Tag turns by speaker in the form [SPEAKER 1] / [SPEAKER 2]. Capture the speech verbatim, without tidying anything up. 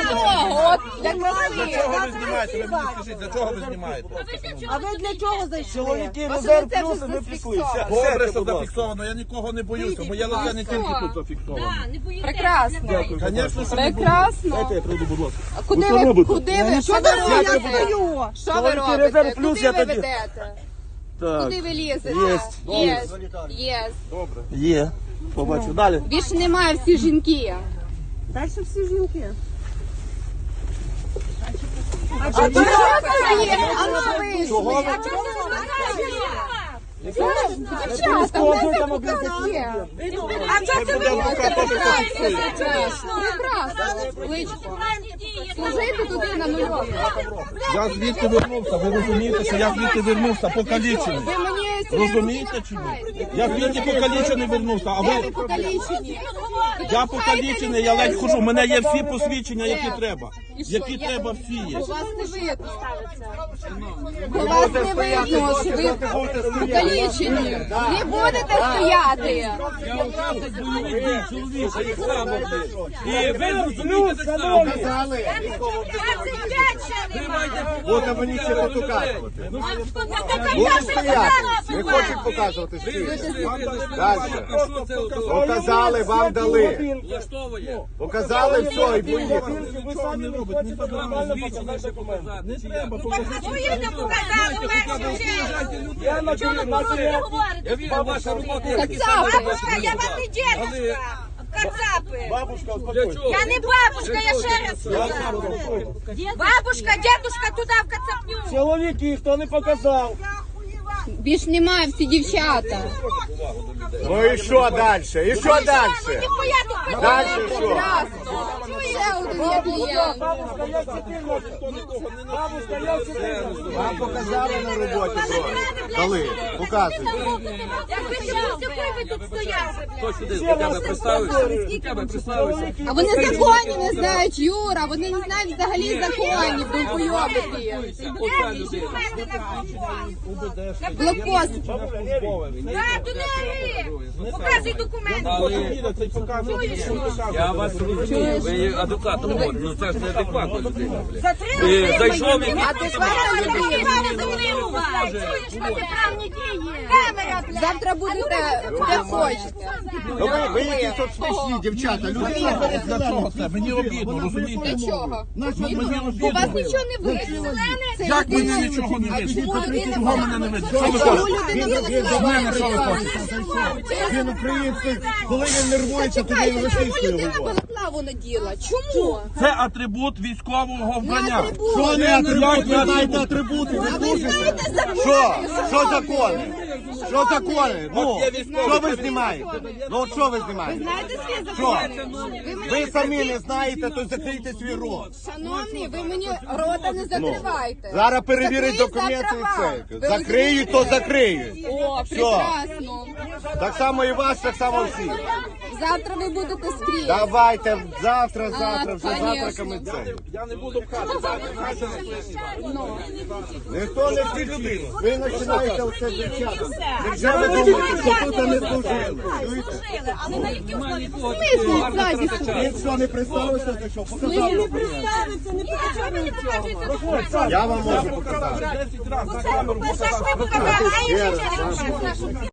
[SPEAKER 1] чого? От для
[SPEAKER 2] Для
[SPEAKER 1] краси.
[SPEAKER 2] чого ви знімаєте? Ви мені скажіть, для чого ви знімаєте?
[SPEAKER 3] А ви для чого зайшли?
[SPEAKER 4] Чоловіки,
[SPEAKER 1] Ось
[SPEAKER 4] резерв
[SPEAKER 1] це
[SPEAKER 4] плюс,
[SPEAKER 1] вже
[SPEAKER 4] і ми пішли.
[SPEAKER 1] зафіксовано.
[SPEAKER 2] Добре,
[SPEAKER 4] Сядьте,
[SPEAKER 2] що
[SPEAKER 4] будь ласка.
[SPEAKER 2] зафіксовано, я нікого не боюся, моє лице не тільки тут зафіксовано.
[SPEAKER 1] Прекрасно.
[SPEAKER 2] Звісно, що не боюся.
[SPEAKER 1] Прекрасно.
[SPEAKER 4] Дайте я прийду, будь ласка.
[SPEAKER 1] А куди
[SPEAKER 4] що
[SPEAKER 1] ви,
[SPEAKER 4] робите?
[SPEAKER 1] куди ви, що ви
[SPEAKER 3] Я
[SPEAKER 1] робите?
[SPEAKER 3] стою.
[SPEAKER 1] Що ви
[SPEAKER 4] Чоловіки, резерв
[SPEAKER 1] робите?
[SPEAKER 4] плюс,
[SPEAKER 1] Куди
[SPEAKER 4] я
[SPEAKER 1] ви
[SPEAKER 4] тоді-
[SPEAKER 1] ведете?
[SPEAKER 4] Так,
[SPEAKER 1] Куди ви лізете?
[SPEAKER 4] Єсть.
[SPEAKER 1] Єсть. Єсть.
[SPEAKER 2] Добре.
[SPEAKER 4] є. Побачу. Далі.
[SPEAKER 1] Більше немає всі жінки.
[SPEAKER 3] Далі всі жінки.
[SPEAKER 1] А чого це є? А ну ви
[SPEAKER 4] Чого ви?
[SPEAKER 1] Дівчата, у нас там показує.
[SPEAKER 3] А чого це ви?
[SPEAKER 2] Адвокат теж зафіксує.
[SPEAKER 1] Прекрасно. Личко. Служити туди на нульові.
[SPEAKER 2] Я звідти вернувся, ви розумієте, що я звідти вернувся покалічений.
[SPEAKER 1] Ви мені
[SPEAKER 2] Розумієте чи ні? Я звідти покалічений вернувся, а
[SPEAKER 1] Де ви
[SPEAKER 2] ви...
[SPEAKER 1] покалічені?
[SPEAKER 2] Я покалічений, я ледь хожу, у мене є всі посвідчення, які треба.
[SPEAKER 1] І що,
[SPEAKER 2] Які
[SPEAKER 1] я-
[SPEAKER 2] треба, всі є.
[SPEAKER 1] У вас не видно. У вас не видно, що ви покалічені. Не будете стояти.
[SPEAKER 5] І ви розумієте так само.
[SPEAKER 6] От мені ще не показувати. Будуть стояти. Не хочуть показувати стільки. Далі.
[SPEAKER 5] Що це
[SPEAKER 6] Показали, вам дали.
[SPEAKER 5] влаштовує?
[SPEAKER 6] Показали все і поїхали.
[SPEAKER 4] Ви самі не хочете нормально показати документи.
[SPEAKER 2] Не треба
[SPEAKER 4] Я на
[SPEAKER 5] Я вірю, ваша робота.
[SPEAKER 1] Кацапи.
[SPEAKER 3] Бабушка, я вам не дедушка. Кацапи.
[SPEAKER 4] Бабушка,
[SPEAKER 5] Для
[SPEAKER 4] успокойся.
[SPEAKER 5] чого?
[SPEAKER 3] Я не бабушка, я ще раз сказала. Бабушка, дедушка туди в кацапню.
[SPEAKER 4] Чоловіки, хто не показав?
[SPEAKER 1] Більш немає всі дівчата.
[SPEAKER 6] Ну і що далі? І що далі?
[SPEAKER 3] Ніхуя тут
[SPEAKER 6] Далі що?
[SPEAKER 1] Прекрасно. Ще один є клієнт.
[SPEAKER 4] Бабушка, я чотирнадцять. Бабушка, я чотирнадцять.
[SPEAKER 6] Вам показали на роботі, бро. Дали. Показуйте.
[SPEAKER 3] Якби ще ви тут стояли.
[SPEAKER 5] Хто сюди до тебе представився? До тебе представився.
[SPEAKER 1] А вони закони не знають, Юра. Вони не знають взагалі законів. Довбойобики.
[SPEAKER 5] Оця людина.
[SPEAKER 1] Блокпост.
[SPEAKER 3] Так, туди ори. Показуй документи.
[SPEAKER 2] Їде, цей показує.
[SPEAKER 5] Я вас розумію, ви є адвокатом, от, ну це ж не адекватна людина. блін.
[SPEAKER 3] Затримали
[SPEAKER 5] І зайшов він.
[SPEAKER 1] Адекватна людина.
[SPEAKER 3] Чуєш, протиправні дії. Камера, блядь.
[SPEAKER 1] Завтра будете де хочете.
[SPEAKER 6] Ну ви, ви якісь тут смішні, дівчата. Люди
[SPEAKER 2] Для чого це? Мені обідно, розумієте?
[SPEAKER 1] Для чого?
[SPEAKER 2] Мені
[SPEAKER 1] У
[SPEAKER 2] обідно.
[SPEAKER 1] вас нічого не видно. Це
[SPEAKER 2] Як мені
[SPEAKER 1] людина-
[SPEAKER 2] нічого не
[SPEAKER 1] А
[SPEAKER 2] видно?
[SPEAKER 1] чому людина
[SPEAKER 2] Чого мене не видно? Що ви
[SPEAKER 1] Чому
[SPEAKER 2] хочете?
[SPEAKER 1] людина
[SPEAKER 6] Він до мене що ви хочете? Він український, коли він нервується, тоді він
[SPEAKER 1] Чому
[SPEAKER 6] російською
[SPEAKER 1] людина
[SPEAKER 6] говорить.
[SPEAKER 1] балаклаву наділа? Чому?
[SPEAKER 2] Це атрибут військового
[SPEAKER 1] Не
[SPEAKER 2] вбрання.
[SPEAKER 1] атрибут.
[SPEAKER 6] Що не атрибут? Ви знаєте атрибути? Ви
[SPEAKER 1] А ви
[SPEAKER 6] служите?
[SPEAKER 1] знаєте закони?
[SPEAKER 6] Що? Що закони? Що закони? Ну, що ви знімаєте? Ну от що ви знімаєте?
[SPEAKER 1] Знаєте свій
[SPEAKER 6] Що?
[SPEAKER 1] закон? Ви
[SPEAKER 6] Ви
[SPEAKER 1] мене
[SPEAKER 6] самі не знаєте, то закрийте свій рот.
[SPEAKER 1] Шановні, ви мені рота не закривайте.
[SPEAKER 6] Зараз перевірять
[SPEAKER 1] Закриють
[SPEAKER 6] документи
[SPEAKER 1] завтра
[SPEAKER 6] і
[SPEAKER 1] вам.
[SPEAKER 6] це.
[SPEAKER 1] Ви
[SPEAKER 6] Закриють, то
[SPEAKER 1] розумієте?
[SPEAKER 6] закриють.
[SPEAKER 1] О,
[SPEAKER 6] Все.
[SPEAKER 1] прекрасно.
[SPEAKER 6] Так само і вас, так само всі.
[SPEAKER 1] Завтра ви будете скрізь.
[SPEAKER 6] Давайте завтра,
[SPEAKER 1] А,
[SPEAKER 6] завтра, вже
[SPEAKER 1] конечно.
[SPEAKER 6] завтраками це.
[SPEAKER 2] Я не буду пхати.
[SPEAKER 6] Ніхто не кричить. Ви починаєте оце дівчата. Якщо ви думаєте, що тут не служили. Чуєте?
[SPEAKER 1] Смисл ззаді?
[SPEAKER 6] Він що, не представився, за що? Показав документи. Я вам можу показати.
[SPEAKER 2] десять разів на камеру
[SPEAKER 3] Це ж
[SPEAKER 2] показати.
[SPEAKER 3] ви показали, а
[SPEAKER 6] Ще
[SPEAKER 3] я
[SPEAKER 6] раз,
[SPEAKER 3] ще не